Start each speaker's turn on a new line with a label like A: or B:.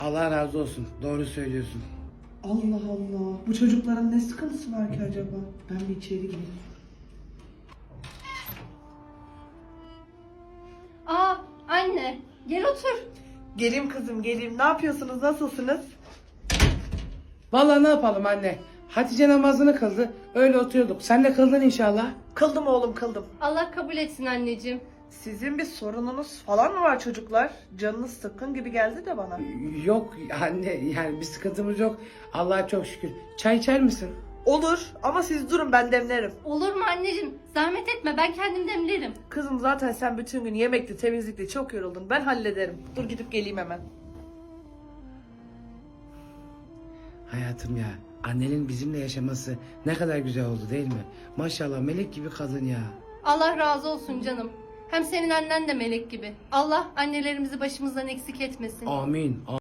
A: Allah razı olsun. Doğru söylüyorsun.
B: Allah Allah. Bu çocukların ne sıkıntısı var ki acaba? Ben bir içeri gireyim.
C: Aa anne gel otur.
B: Geleyim kızım geleyim. Ne yapıyorsunuz? Nasılsınız?
A: Vallahi ne yapalım anne? Hatice namazını kıldı. Öyle oturuyorduk. Sen de kıldın inşallah.
B: Kıldım oğlum kıldım.
C: Allah kabul etsin anneciğim.
B: Sizin bir sorununuz falan mı var çocuklar? Canınız sıkkın gibi geldi de bana.
A: Yok anne, yani bir sıkıntımız yok. Allah'a çok şükür. Çay içer misin?
B: Olur ama siz durun ben demlerim.
C: Olur mu anneciğim? Zahmet etme ben kendim demlerim.
B: Kızım zaten sen bütün gün yemekle temizlikle çok yoruldun. Ben hallederim. Dur gidip geleyim hemen.
A: Hayatım ya, annenin bizimle yaşaması ne kadar güzel oldu değil mi? Maşallah melek gibi kadın ya.
C: Allah razı olsun canım. Hem senin annen de melek gibi. Allah annelerimizi başımızdan eksik etmesin.
A: Amin.